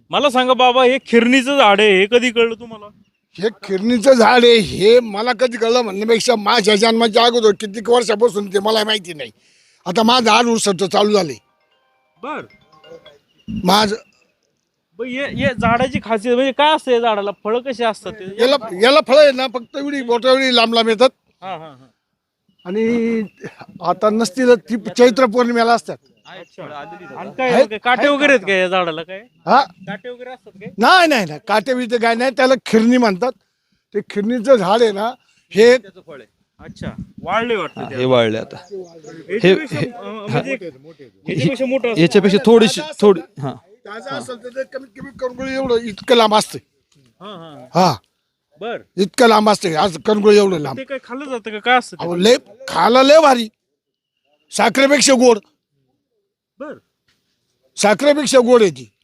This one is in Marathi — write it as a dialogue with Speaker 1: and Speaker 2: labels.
Speaker 1: मला सांगा बाबा, हे खिरणीचं झाड आहे, हे कधी कळलं तुम्हाला?
Speaker 2: हे खिरणीचं झाड आहे हे मला कधी कळलं म्हणण्यापेक्षा माझ्या जन्माच्या अगोदर किती वर्षापासून ते मला माहिती नाही. आता माझं आड उसट चालू झाले.
Speaker 1: बर
Speaker 2: माझं
Speaker 1: हे झाडाची खासियत म्हणजे काय असतं? या झाडाला फळं कशी असतात ते?
Speaker 2: याला फळं आहे ना फक्त एवढी बोटावडी लांब लांब येतात.
Speaker 1: हा हा हा.
Speaker 2: आणि आता नसतील ती चैत्र पौर्णिमेला असतात.
Speaker 1: अच्छा. आणि काय काटे वगैरे आहेत का या झाडाला? काय
Speaker 2: हा
Speaker 1: काटे वगैरे असतात काय?
Speaker 2: नाही नाही नाही काटे बिटे काय नाही त्याला खिरणी म्हणतात. ते खिरणीचं झाड आहे ना हे
Speaker 1: अच्छा, वाळले वाटतं ते.
Speaker 3: हे वाळले आता.
Speaker 1: याच्यापेक्षा, म्हणजे याच्यापेक्षा मोठं असतं.
Speaker 3: याच्यापेक्षा थोडीशी थोडी हा
Speaker 2: ताजं असेल तर ते कमीत कमी करंगुळी एवढं इतकं लांब असते.
Speaker 1: हा हा.
Speaker 2: हा
Speaker 1: बर
Speaker 2: इतकं लांब असते आज करंगुळी एवढं लांब.
Speaker 1: ते काय खाल्लं जातं का? काय असतं ते?
Speaker 2: अहो लय खायला लय भारी. साखरेपेक्षा गोड.
Speaker 1: बर
Speaker 2: साखरेपेक्षा गोड आहे ती.